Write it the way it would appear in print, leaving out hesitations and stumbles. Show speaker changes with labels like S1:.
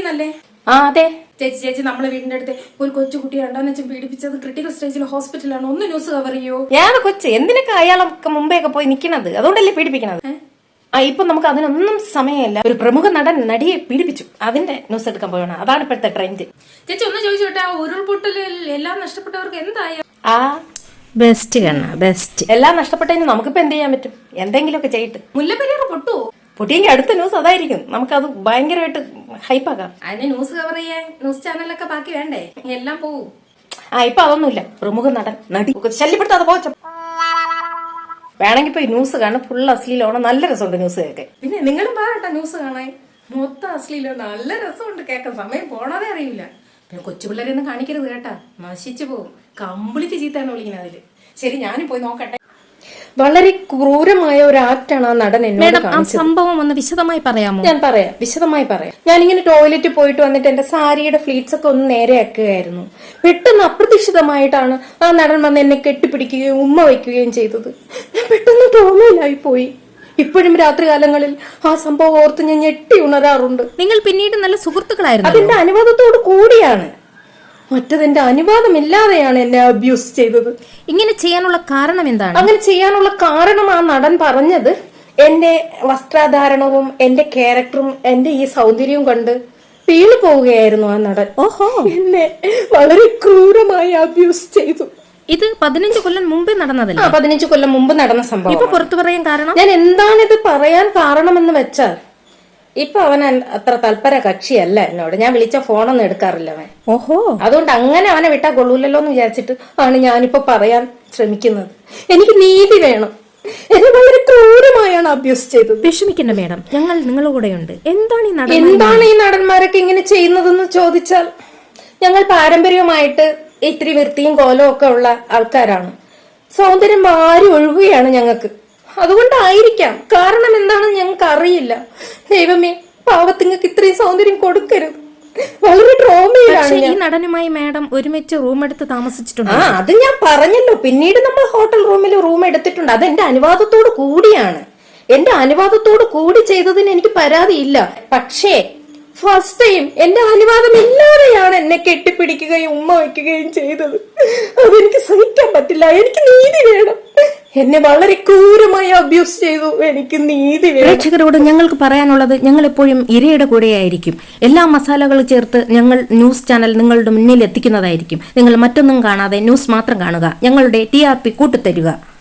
S1: എന്നല്ലേ?
S2: ആ അതെ
S1: ചേച്ചി നമ്മളെ വീടിന്റെ അടുത്ത് ഒരു കൊച്ചുകുട്ടി 2-ാം വെച്ച് പീഡിപ്പിച്ചത് ക്രിട്ടിക്കൽ സ്റ്റേജിൽ ഹോസ്പിറ്റലാണ്. ഒന്ന് ന്യൂസ് കവർ ചെയ്യോ?
S2: ഏത് കൊച്ച് എന്തിനൊക്കെ അയാളൊക്കെ മുമ്പേ ഒക്കെ പോയി നിക്കണത്? അതുകൊണ്ടല്ലേ പീഡിപ്പിക്കണത്. ഇപ്പൊ നമുക്ക് അതിനൊന്നും സമയമില്ല. ഒരു പ്രമുഖ നടൻ നടിയെ പീഡിപ്പിച്ചു, അതിന്റെ ന്യൂസ് എടുക്കാൻ പോകണം. അതാണ് ഇപ്പോഴത്തെ ട്രെൻഡ്.
S1: ചേച്ചി ഒന്ന് ചോദിച്ചോട്ടെ, ആ ഉരുൾപൊട്ടലിൽ എല്ലാം നഷ്ടപ്പെട്ടവർക്ക് എന്തായി?
S2: ആ
S3: ബെസ്റ്റ് കണ്ണ ബെസ്റ്റ്.
S2: എല്ലാം നഷ്ടപ്പെട്ടതിന് നമുക്കിപ്പോ എന്ത് ചെയ്യാൻ പറ്റും? എന്തെങ്കിലുമൊക്കെ ചെയ്തിട്ട്.
S1: മുല്ലപ്പെരിയാർ പൊട്ടുവോ?
S2: പൊട്ടിയെങ്കിൽ അടുത്ത ന്യൂസ് അതായിരിക്കും. നമുക്കത് ഭയങ്കരമായിട്ട് ഹൈപ്പാക്കാം.
S1: അതിന് ന്യൂസ് കവർ ചെയ്യാൻ ന്യൂസ് ചാനലൊക്കെ ബാക്കി വേണ്ടേ? എല്ലാം പോവും.
S2: ഇപ്പൊ അതൊന്നുമില്ല. പ്രമുഖ നടൻ നടി ശല്യപ്പെടുത്താതെ പോച്ച വേണമെങ്കിൽ പോയി ന്യൂസ് കാണും. ഫുൾ അശ്ലീലമാണ്. നല്ല രസമുണ്ട് ന്യൂസ് കേൾക്കാൻ.
S1: പിന്നെ നിങ്ങളും പാകട്ടെ ന്യൂസ് കാണാൻ. മൊത്തം അശ്ലീലം. നല്ല രസമുണ്ട് കേൾക്കാൻ. സമയം പോണതേ അറിയില്ല. പിന്നെ കൊച്ചു പിള്ളേരൊന്നും കാണിക്കരുത് കേട്ടാ, നശിച്ചു പോകും. കംപ്ലീറ്റ് ചീത്താണ് വിളിക്കുന്നത് അതില്. ശരി, ഞാനും പോയി നോക്കട്ടെ.
S2: വളരെ ക്രൂരമായ ഒരു ആക്ടാണ് ആ നടൻ എന്നോട് കാണിച്ചത്.
S3: സംഭവം ഒന്ന് വിശദമായി പറയാമോ?
S2: ഞാൻ പറയാം, വിശദമായി പറയാം. ഞാനിങ്ങനെ ടോയ്ലറ്റിൽ പോയിട്ട് വന്നിട്ട് എന്റെ സാരിയുടെ ഫ്ലീറ്റ്സ് ഒക്കെ ഒന്ന് നേരെയാക്കുകയായിരുന്നു. പെട്ടെന്ന് അപ്രതീക്ഷിതമായിട്ടാണ് ആ നടൻ വന്ന് എന്നെ കെട്ടിപ്പിടിക്കുകയും ഉമ്മ വയ്ക്കുകയും ചെയ്തത്. ഞാൻ പെട്ടെന്ന് ട്രോമയിലായി പോയി. ഇപ്പോഴും രാത്രികാലങ്ങളിൽ ആ സംഭവം ഓർത്ത് ഞാൻ ഞെട്ടി ഉണരാറുണ്ട്.
S3: നിങ്ങൾ പിന്നീട് നല്ല സുഹൃത്തുക്കളായിരുന്നു.
S2: അതിന്റെ അനുവാദത്തോട് കൂടിയാണ്. മറ്റതെന്റെ അനുവാദമില്ലാതെയാണ് എന്നെ അബ്യൂസ് ചെയ്തത്.
S3: ഇങ്ങനെ ചെയ്യാനുള്ള കാരണം എന്താണ്?
S2: അങ്ങനെ ചെയ്യാനുള്ള കാരണം ആ നടൻ പറഞ്ഞത് എന്റെ വസ്ത്രധാരണവും എന്റെ ക്യാരക്ടറും എന്റെ ഈ സൗന്ദര്യവും കണ്ട് വീണു പോവുകയായിരുന്നു ആ നടൻ.
S3: ഓഹോ,
S2: എന്നെ വളരെ ക്രൂരമായി അബ്യൂസ് ചെയ്തു.
S3: ഇത് 15 കൊല്ലം മുമ്പേ നടന്നതല്ലേ?
S2: 15 കൊല്ലം മുമ്പ് നടന്ന സംഭവം.
S3: ഇപ്പൊ പുറത്തു പറയാൻ കാരണം?
S2: ഞാൻ എന്താണിത് പറയാൻ കാരണമെന്ന് വെച്ചാൽ, ഇപ്പൊ അവൻ അത്ര തൽപര കക്ഷിയല്ല എന്നോട്. ഞാൻ വിളിച്ച ഫോണൊന്നും എടുക്കാറില്ല അവൻ.
S3: ഓഹോ,
S2: അതുകൊണ്ട് അങ്ങനെ അവനെ വിട്ടാ കൊള്ളൂലല്ലോ എന്ന് വിചാരിച്ചിട്ട് ആണ് ഞാനിപ്പോ പറയാൻ ശ്രമിക്കുന്നത്. എനിക്ക് നീതി വേണം. എന്നെ വളരെ ക്രൂരമായാണ് അബ്യൂസ് ചെയ്തത്.
S3: വിഷമിക്കണ്ട മേഡം, ഞങ്ങൾ നിങ്ങളുടെ കൂടെയുണ്ട്.
S2: എന്താണ് ഈ നടന്മാരൊക്കെ ഇങ്ങനെ ചെയ്യുന്നതെന്ന് ചോദിച്ചാൽ, ഞങ്ങൾ പാരമ്പര്യമായിട്ട് ഇത്തിരി വൃത്തിയും കോലവും ഒക്കെ ഉള്ള ആൾക്കാരാണ്. സൗന്ദര്യം മാറി ഒഴുകുകയാണ് ഞങ്ങൾക്ക്. അതുകൊണ്ടായിരിക്കാം. കാരണം എന്താണെന്ന് ഞങ്ങൾക്ക് അറിയില്ല. ദൈവമേ, പാവത്തിങ്ങൾക്ക് ഇത്രയും സൗന്ദര്യം കൊടുക്കരുത്. വളരെ ട്രോമയിലാണ്.
S3: ഈ നടനുമായി മാഡം ഒരുമിച്ച് റൂം എടുത്ത് താമസിച്ചിട്ടുണ്ട്.
S2: അത് ഞാൻ പറഞ്ഞല്ലോ. പിന്നീട് നമ്മൾ ഹോട്ടൽ റൂമിൽ റൂം എടുത്തിട്ടുണ്ട്. അത് എന്റെ അനുവാദത്തോട് കൂടിയാണ്. എന്റെ അനുവാദത്തോട് കൂടി ചെയ്തതിന് എനിക്ക് പരാതിയില്ല. പക്ഷേ ഫസ്റ്റ് ടൈം എന്റെ അനുവാദം ഇല്ലാതെയാണ് എന്നെ കെട്ടിപ്പിടിക്കുകയും ഉമ്മ വയ്ക്കുകയും ചെയ്തത്. അതെനിക്ക് സഹിക്കാൻ പറ്റില്ല. എനിക്ക് നീതി വേണം. എന്നെ വളരെ ക്രൂരമായി അബ്യൂസ് ചെയ്തു. എനിക്ക് നീതി വേണം.
S3: പ്രേക്ഷകരോട് ഞങ്ങൾക്ക് പറയാനുള്ളത്, ഞങ്ങൾ എപ്പോഴും ഇരയുടെ കൂടെയായിരിക്കും. എല്ലാ മസാലകളും ചേർത്ത് ഞങ്ങൾ ന്യൂസ് ചാനൽ നിങ്ങളുടെ മുന്നിൽ എത്തിക്കുന്നതായിരിക്കും. നിങ്ങൾ മറ്റൊന്നും കാണാതെ ന്യൂസ് മാത്രം കാണുക. ഞങ്ങളുടെ TRP കൂട്ടിത്തരിക.